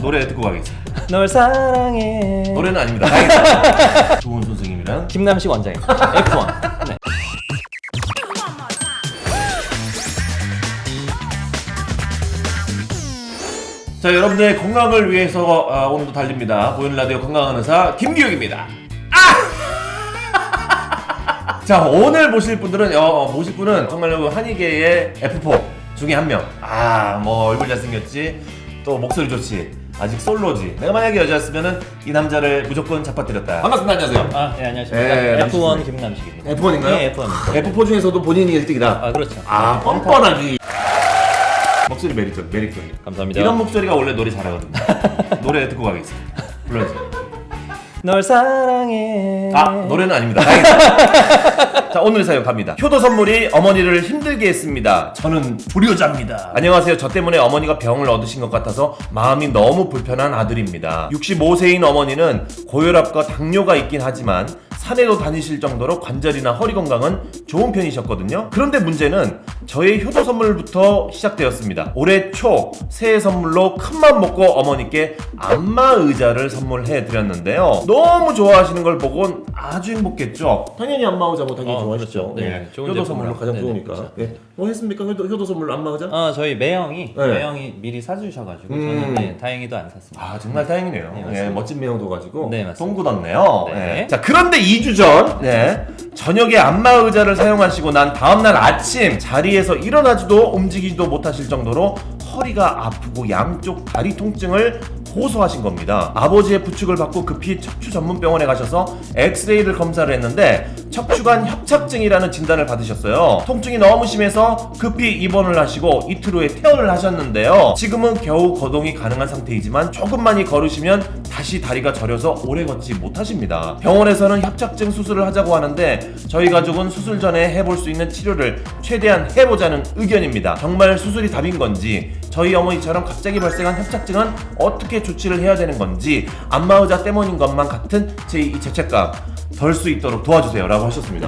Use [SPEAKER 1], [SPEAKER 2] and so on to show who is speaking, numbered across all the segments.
[SPEAKER 1] 노래 듣고 가겠습니다.
[SPEAKER 2] 널 사랑해.
[SPEAKER 1] 노래는 아닙니다. 다행이다. 좋은 선생님이랑
[SPEAKER 2] 김남식 원장님. F1. 네.
[SPEAKER 1] 자, 여러분들의 건강을 위해서 오늘도 달립니다. 보이는 라디오 건강한 의사 김기욱입니다. 자, 오늘 모실 분들은 정말로 한의계의 F4 중에 한 명. 뭐 얼굴 잘생겼지, 또 목소리 좋지, 아직 솔로지. 내가 만약에 여자였으면은 이 남자를 무조건 잡아뜨렸다. 반갑습니다. 안녕하세요.
[SPEAKER 2] 네, 안녕하십니까.
[SPEAKER 1] 네,
[SPEAKER 2] F1 김남식입니다.
[SPEAKER 1] F1인가요?
[SPEAKER 2] 네, F1입니다.
[SPEAKER 1] F4 중에서도 본인이 1등이다.
[SPEAKER 2] 그렇죠.
[SPEAKER 1] 뻔뻔하기. 목소리 매력적.
[SPEAKER 2] 감사합니다.
[SPEAKER 1] 이런 목소리가 원래 노래 잘하거든요. 노래 듣고 가겠습니다. 불러주세요.
[SPEAKER 2] 널 사랑해.
[SPEAKER 1] 노래는 아닙니다. 다행이다. 자, 오늘의 사연 갑니다. 효도 선물이 어머니를 힘들게 했습니다. 저는 불효자입니다. 안녕하세요. 저 때문에 어머니가 병을 얻으신 것 같아서 마음이 너무 불편한 아들입니다. 65세인 어머니는 고혈압과 당뇨가 있긴 하지만 산에도 다니실 정도로 관절이나 허리 건강은 좋은 편이셨거든요. 그런데 문제는 저의 효도 선물부터 시작되었습니다. 올해 초 새해 선물로 큰맘 먹고 어머니께 안마 의자를 선물해 드렸는데요. 너무 좋아하시는 걸 보곤 아주 행복했죠. 당연히 안마 의자 뭐 당연히 좋아하시죠.
[SPEAKER 2] 그렇죠. 네, 좋은
[SPEAKER 1] 효도 선물로 가장
[SPEAKER 2] 네네,
[SPEAKER 1] 좋으니까.
[SPEAKER 2] 그렇죠.
[SPEAKER 1] 네. 뭐 했습니까? 효도 선물로 안마 의자?
[SPEAKER 2] 저희 매형이
[SPEAKER 1] 네.
[SPEAKER 2] 미리 사주셔가지고 저는 다행히도 안 샀습니다.
[SPEAKER 1] 정말 다행이네요.
[SPEAKER 2] 네, 맞습니다.
[SPEAKER 1] 멋진 매형도 가지고
[SPEAKER 2] 네, 맞습니다.
[SPEAKER 1] 똥 굳었네요.
[SPEAKER 2] 네.
[SPEAKER 1] 자, 그런데 2주 전 저녁에 안마 의자를 사용하시고 난 다음날 아침 자리에서 일어나지도 움직이지도 못하실 정도로 허리가 아프고 양쪽 다리 통증을 호소하신 겁니다. 아버지의 부축을 받고 급히 척추 전문 병원에 가셔서 엑스레이를 검사를 했는데 척추관 협착증이라는 진단을 받으셨어요. 통증이 너무 심해서 급히 입원을 하시고 이틀 후에 퇴원을 하셨는데요. 지금은 겨우 거동이 가능한 상태이지만 조금만이 걸으시면 다시 다리가 저려서 오래 걷지 못하십니다. 병원에서는 협착증 수술을 하자고 하는데 저희 가족은 수술 전에 해볼 수 있는 치료를 최대한 해보자는 의견입니다. 정말 수술이 답인 건지, 저희 어머니처럼 갑자기 발생한 협착증은 어떻게 조치를 해야 되는 건지, 안마의자 때문인 것만 같은 제 이 죄책감 덜 수 있도록 도와주세요 라고 하셨습니다.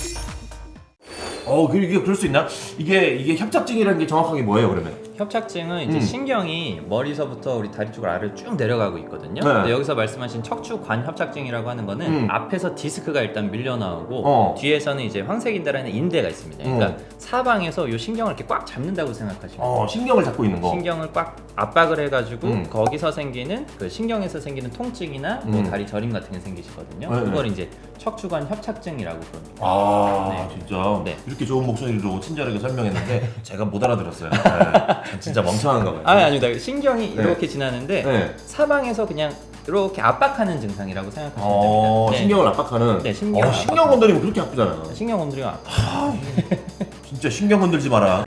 [SPEAKER 1] 이게 그럴 수 있나? 이게 협착증이라는 게 정확하게 뭐예요, 그러면?
[SPEAKER 2] 협착증은 이제 신경이 머리서부터 우리 다리 쪽 아래로 쭉 내려가고 있거든요.
[SPEAKER 1] 네.
[SPEAKER 2] 근데 여기서 말씀하신 척추관 협착증이라고 하는 거는 앞에서 디스크가 일단 밀려 나오고 뒤에서는 이제 황색인대라는 인대가 있습니다. 그러니까 사방에서 이 신경을 이렇게 꽉 잡는다고 생각하시면 돼요.
[SPEAKER 1] 신경을 잡고 있는 거.
[SPEAKER 2] 신경을 꽉 압박을 해가지고 거기서 생기는 그 신경에서 생기는 통증이나 뭐 다리 저림 같은 게 생기시거든요.
[SPEAKER 1] 네,
[SPEAKER 2] 그걸 이제 척추관 협착증이라고 부릅니다.
[SPEAKER 1] 네. 진짜
[SPEAKER 2] 네.
[SPEAKER 1] 이렇게 좋은 목소리로 친절하게 설명했는데 제가 못 알아들었어요. 진짜 멍청한가 봐요.
[SPEAKER 2] 아닙니다. 신경이 이렇게 지나는데
[SPEAKER 1] 네.
[SPEAKER 2] 사방에서 그냥 이렇게 압박하는 증상이라고 생각하시면 됩니다. 네.
[SPEAKER 1] 신경을 압박하는.
[SPEAKER 2] 네, 신경을
[SPEAKER 1] 신경 건드리면 그렇게 아프잖아요.
[SPEAKER 2] 신경 건드리면 아파.
[SPEAKER 1] 진짜 신경 건들지 마라.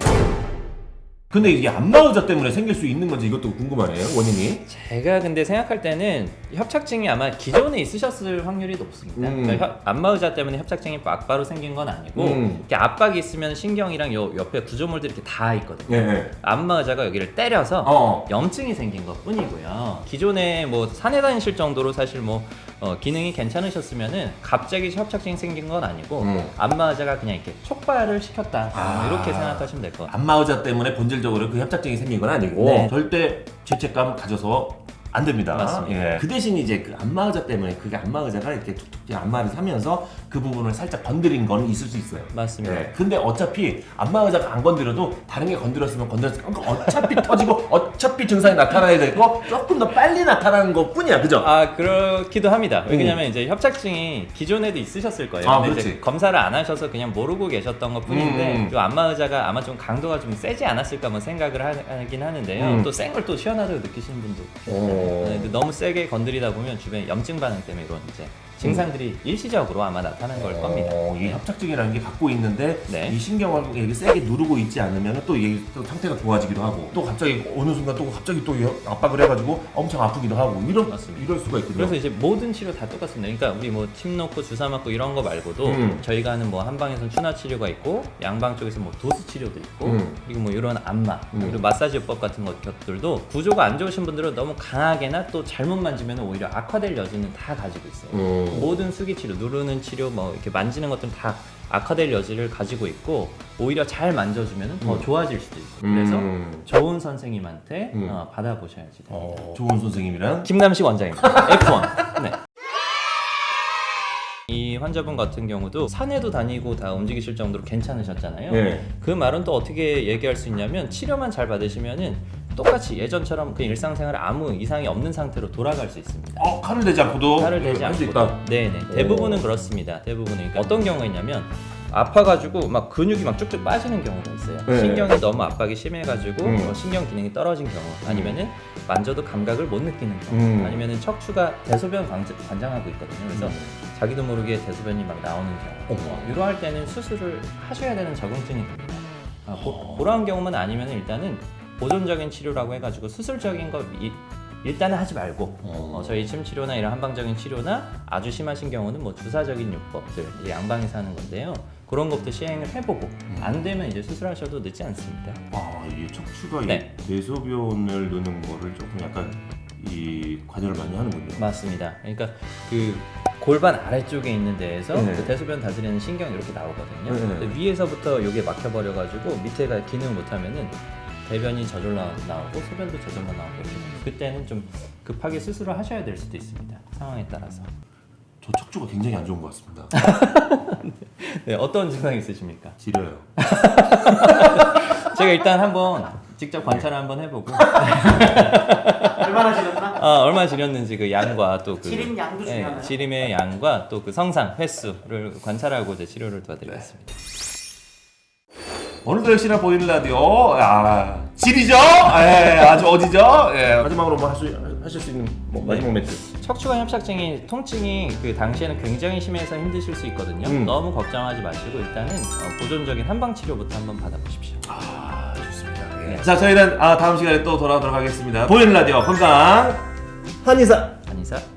[SPEAKER 1] 근데 이게 안마 의자 때문에 생길 수 있는 건지 이것도 궁금하네요, 원인이.
[SPEAKER 2] 제가 근데 생각할 때는 협착증이 아마 기존에 있으셨을 확률이 높습니다. 그러니까 안마 의자 때문에 협착증이 막바로 생긴 건 아니고 이렇게 압박이 있으면 신경이랑 요 옆에 구조물들이 이렇게 다 있거든요.
[SPEAKER 1] 네.
[SPEAKER 2] 안마 의자가 여기를 때려서 염증이 생긴 것 뿐이고요. 기존에 뭐 산에 다니실 정도로 사실 뭐 기능이 괜찮으셨으면은 갑자기 협착증이 생긴 건 아니고 안마 의자가 그냥 이렇게 촉발을 시켰다. 이렇게 생각하시면 될 것 같아요.
[SPEAKER 1] 안마 의자 때문에 본질적으로 그 협착증이 생긴 건 아니고
[SPEAKER 2] 네.
[SPEAKER 1] 절대 죄책감 가져서 안 됩니다.
[SPEAKER 2] 맞습니다.
[SPEAKER 1] 그 대신 이제 그 안마 의자 때문에 그게 안마 의자가 이렇게 툭툭 안마를 하면서 그 부분을 살짝 건드린 거는 있을 수 있어요.
[SPEAKER 2] 맞습니다.
[SPEAKER 1] 근데 어차피 안마 의자가 안 건드려도 다른 게 건드렸으면 어차피 터지고 어차피 증상이 나타나야 되고 조금 더 빨리 나타나는 것 뿐이야, 그죠?
[SPEAKER 2] 그렇기도 합니다. 왜냐면 이제 협착증이 기존에도 있으셨을 거예요. 근데
[SPEAKER 1] 그렇지.
[SPEAKER 2] 이제 검사를 안 하셔서 그냥 모르고 계셨던 것 뿐인데 좀 안마 의자가 아마 좀 강도가 좀 세지 않았을까 뭐 생각을 하긴 하는데요. 또 센 걸 또 시원하다고 느끼시는 분도 계세요. 근데 너무 세게 건드리다 보면 주변에 염증 반응 때문에 이런 이제 증상들이 일시적으로 아마 나타난 걸 겁니다.
[SPEAKER 1] 이 협착증이라는 게 갖고 있는데
[SPEAKER 2] 네.
[SPEAKER 1] 이 신경을 이게 세게 누르고 있지 않으면 또 이게 또 상태가 좋아지기도 하고 또 갑자기 어느 순간 또 갑자기 또 압박을 해가지고 엄청 아프기도 하고
[SPEAKER 2] 맞습니다.
[SPEAKER 1] 이럴 수가 있거든요.
[SPEAKER 2] 그래서 이제 모든 치료 다 똑같습니다. 그러니까 우리 뭐 침 놓고 주사 맞고 이런 거 말고도 저희가 하는 뭐 한방에서는 추나 치료가 있고 양방 쪽에서 뭐 도수 치료도 있고 그리고 뭐 이런 안마 그리고 마사지법 같은 것들도 구조가 안 좋으신 분들은 너무 강하게나 또 잘못 만지면 오히려 악화될 여지는 다 가지고 있어요. 모든 수기 치료, 누르는 치료, 뭐 이렇게 만지는 것들은 다 악화될 여지를 가지고 있고 오히려 잘 만져주면 더 좋아질 수도 있고 그래서 좋은 선생님한테 받아보셔야지 됩니다.
[SPEAKER 1] 좋은 선생님이란?
[SPEAKER 2] 김남식 원장입니다. F1. 네. 이 환자분 같은 경우도 산에도 다니고 다 움직이실 정도로 괜찮으셨잖아요.
[SPEAKER 1] 네.
[SPEAKER 2] 그 말은 또 어떻게 얘기할 수 있냐면 치료만 잘 받으시면은 똑같이 예전처럼 그 일상생활에 아무 이상이 없는 상태로 돌아갈 수 있습니다.
[SPEAKER 1] 칼을 대지 않고도
[SPEAKER 2] 살을 대지
[SPEAKER 1] 할 수
[SPEAKER 2] 않고.
[SPEAKER 1] 있다.
[SPEAKER 2] 네네. 대부분은 그렇습니다. 대부분은. 그러니까 어떤 경우가 있냐면 아파가지고 막 근육이 막 쭉쭉 빠지는 경우가 있어요.
[SPEAKER 1] 네.
[SPEAKER 2] 신경이 너무 압박이 심해가지고 신경 기능이 떨어진 경우, 아니면은 만져도 감각을 못 느끼는 경우, 아니면은 척추가 대소변 관장하고 있거든요. 그래서 자기도 모르게 대소변이 막 나오는 경우, 이러할 때는 수술을 하셔야 되는 적응증이 됩니다. 그러한 경우만 아니면 일단은 보존적인 치료라고 해가지고 수술적인 거 일단은 하지 말고 저희 침 치료나 이런 한방적인 치료나 아주 심하신 경우는 뭐 주사적인 요법들 이제 양방에서 하는 건데요. 그런 것도 시행을 해보고 안 되면 이제 수술하셔도 늦지 않습니다.
[SPEAKER 1] 이게 척추가
[SPEAKER 2] 네.
[SPEAKER 1] 이 대소변을 넣는 거를 조금 약간 이 관여를 많이 하는군요.
[SPEAKER 2] 맞습니다. 그러니까 그 골반 아래쪽에 있는 데에서
[SPEAKER 1] 네.
[SPEAKER 2] 그 대소변 다스리는 신경이 이렇게 나오거든요.
[SPEAKER 1] 네.
[SPEAKER 2] 근데 위에서부터 여기에 막혀버려가지고 밑에가 기능 못하면은 대변이 저절로 나오고 소변도 저절로 나오고 이렇게 됩니다. 그때는 좀 급하게 수술을 하셔야 될 수도 있습니다. 상황에 따라서.
[SPEAKER 1] 저 척추가 굉장히 안 좋은 것 같습니다.
[SPEAKER 2] 네, 어떤 증상이 있으십니까?
[SPEAKER 1] 지려요.
[SPEAKER 2] 제가 일단 한번 직접 관찰을 한번 해보고
[SPEAKER 3] 얼마나 지렸나?
[SPEAKER 2] 얼마나 지렸는지 그 양과 또 그
[SPEAKER 3] 지림 양도 중요하나요?
[SPEAKER 2] 지림의 양과 또 그 성상 횟수를 관찰하고 이제 치료를 도와드리겠습니다.
[SPEAKER 1] 오늘도 역시나 보이는 라디오 질이죠? 아주 어디죠? 마지막으로 뭐 하실 수 있는 마지막 멘트.
[SPEAKER 2] 척추관 협착증이 통증이 그 당시에는 굉장히 심해서 힘드실 수 있거든요. 너무 걱정하지 마시고 일단은 보존적인 한방 치료부터 한번 받아보십시오.
[SPEAKER 1] 좋습니다.
[SPEAKER 2] 네.
[SPEAKER 1] 자, 저희는 다음 시간에 또 돌아오도록 하겠습니다. 보이는 라디오 건강 한의사.
[SPEAKER 2] 한의사